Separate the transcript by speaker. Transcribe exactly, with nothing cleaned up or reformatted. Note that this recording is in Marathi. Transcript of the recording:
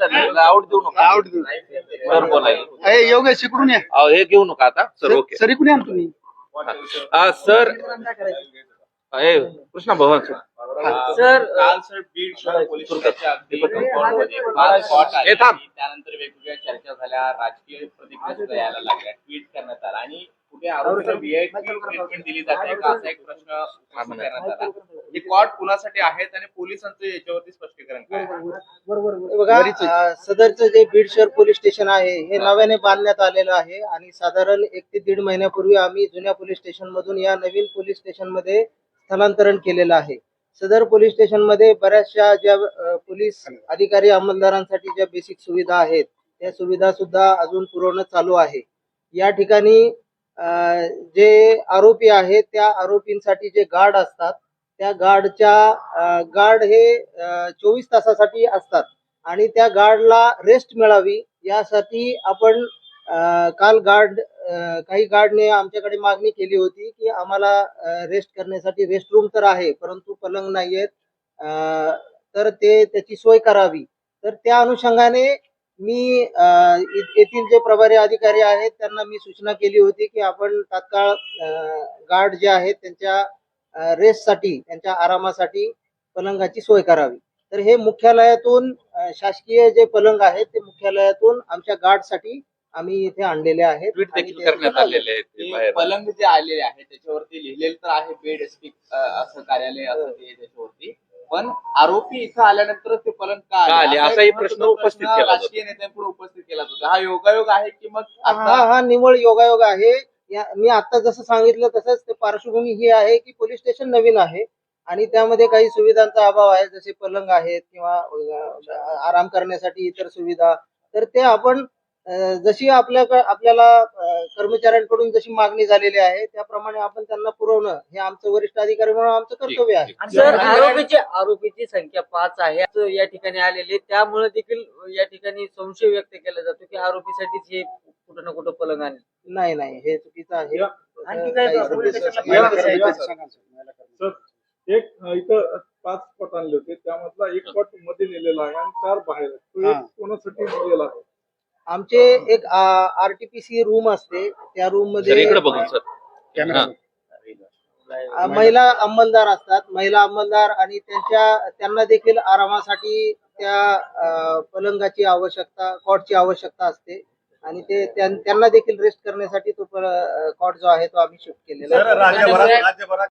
Speaker 1: आउट देऊ नका.
Speaker 2: आउट देऊ.
Speaker 1: सर बोलायला
Speaker 2: ए योगेश इकडून या.
Speaker 1: अहो, हे घेऊ नका आता सर. ओके
Speaker 2: सर इकडून या ना तुम्ही.
Speaker 1: हा, सर हे कृष्णा भवन सर.
Speaker 3: सर काल सर बीड शहर पोलीस स्टेशनच्या अगदी कोर्टमध्ये पाच स्पॉट आले.
Speaker 1: हे थांब.
Speaker 3: त्यानंतर वेगवेगळ्या चर्चा झाल्या, राजकीय प्रतिक्रिया सुद्धा यायला लागल्या, ट्विट करण्यात आला आणि कुठे आरोपीला व्हीआयपी ट्रीटमेंट दिली जाते का असा एक प्रश्न उपस्थित करण्यात आला. हे कॉट कुणासाठी आहेत आणि पोलिसांचं याच्यावरती स्पष्टीकरण काय आहे?
Speaker 4: बघा, अं, सदरचं जे बीड शहर पोलीस स्टेशन आहे हे नव्याने बांधण्यात आलेलं आहे आणि साधारण एक ते दीड महिन्यापूर्वी आम्ही जुन्या पोलीस स्टेशन मधून या नवीन पोलीस स्टेशन मध्ये स्थलांतरण केलेलं आहे. सदर पोलीस स्टेशन मध्ये बऱ्याचशा ज्या अं, पोलीस अधिकारी अंमलदारांसाठी ज्या बेसिक सुविधा आहेत त्या सुविधा सुद्धा अजून पुरवणं चालू आहे. या ठिकाणी अं, जे आरोपी आहेत त्या आरोपींसाठी जे गार्ड असतात त्या गार्डच्या गार्ड हे चोवीस तासासाठी असतात आणि त्या गार्डला रेस्ट मिळावी यासाठी आपण अं, काल गार्ड अं, काही गार्डने आमच्याकडे मागणी केली होती की आम्हाला रेस्ट करण्यासाठी रेस्ट रूम तर आहे परंतु पलंग नाही आहेत, अं, तर ते त्याची सोय करावी. तर त्या अनुषंगाने मी अं, इ- येथील जे प्रभारी अधिकारी आहेत त्यांना मी सूचना केली होती की आपण तात्काळ गार्ड जे आहेत त्यांच्या रेस्टसाठी त्यांच्या आरामासाठी पलंगाची सोय करावी. तर हे मुख्यालयातून अं, शासकीय जे पलंग आहेत ते मुख्यालयातून आमच्या गार्डसाठी आम्ही इथे आणलेले आहेत.
Speaker 1: ट्विट
Speaker 4: आणि
Speaker 1: देखील
Speaker 4: ते
Speaker 1: करण्यात
Speaker 4: सुद्धा
Speaker 1: आलेले आहेत ते
Speaker 3: हे
Speaker 1: बाहेर.
Speaker 3: पलंग जे आलेले आहे त्याच्यावरती लिहिलेलं तर आहे बेड स्पीक असं कार्यालय असं ते त्याच्यावरती, पण आरोपी इथं आल्यानंतर ते पलंग का
Speaker 1: का आले?
Speaker 3: असा एक
Speaker 1: असाही
Speaker 3: महत्त्वाचा
Speaker 1: प्रश्न उपस्थित केला जातो.
Speaker 3: राजकीय नेत्यांपुढे उपस्थित केला जातो. हा योगायोग आहे की मग
Speaker 4: हा
Speaker 3: आता
Speaker 4: हा निव्वळ योगायोग आहे. या मी आता जसं सांगितलं तसंच ते पार्श्वभूमी ही आहे की पोलीस स्टेशन नवीन आहे आणि त्यामध्ये काही सुविधांचा अभाव आहे, जसे पलंग आहेत किंवा अं, आराम करण्यासाठी इतर सुविधा. तर ते आपण अं, जशी आपल्या आपल्याला अं, कर्मचाऱ्यांकडून जशी मागणी झालेली आहे त्याप्रमाणे आपण त्यांना पुरवणं हे आमचं वरिष्ठ अधिकारी म्हणून आमचं कर्तव्य आहे.
Speaker 1: ठीक,
Speaker 5: सर आरोपीची आरोपीची संख्या पाच आहे असं या ठिकाणी आलेले, त्यामुळे देखील या ठिकाणी संशय व्यक्त केला जातो की आरोपीसाठीच हे कुठं ना कुठं पलंग आणले.
Speaker 4: नाही नाही हे चुकीचं आहे.
Speaker 5: आणखी काय
Speaker 4: काही
Speaker 5: पोलीस
Speaker 4: संदेश-
Speaker 5: स्टेशनला
Speaker 6: सर एक अं, इथं पाच स्पॉट आणले होते त्यामधला एक स्पॉट मध्ये नेलेला आहे आणि चार बाहेर आहेत. तो एक
Speaker 2: हा.
Speaker 6: कोणासाठी नेलेला आहे?
Speaker 4: आमचे एक आरटीपीसी रूम असते त्या रूम
Speaker 1: सर इकडे
Speaker 4: मध्ये
Speaker 1: बघून सर.
Speaker 2: कॅमेरा.
Speaker 4: अ, महिला अंमलदार असतात. महिला अंमलदार आणि त्यांच्या त्यांना देखील आरामासाठी त्या अ, पलंगाची आवश्यकता, कॉटची आवश्यकता असते आणि ते त्यां- त्यांना देखील रेस्ट करण्यासाठी तो कॉट जो आहे तो आम्ही शिफ्ट केलेला आहे.
Speaker 2: राज्यभरात राज्यभरात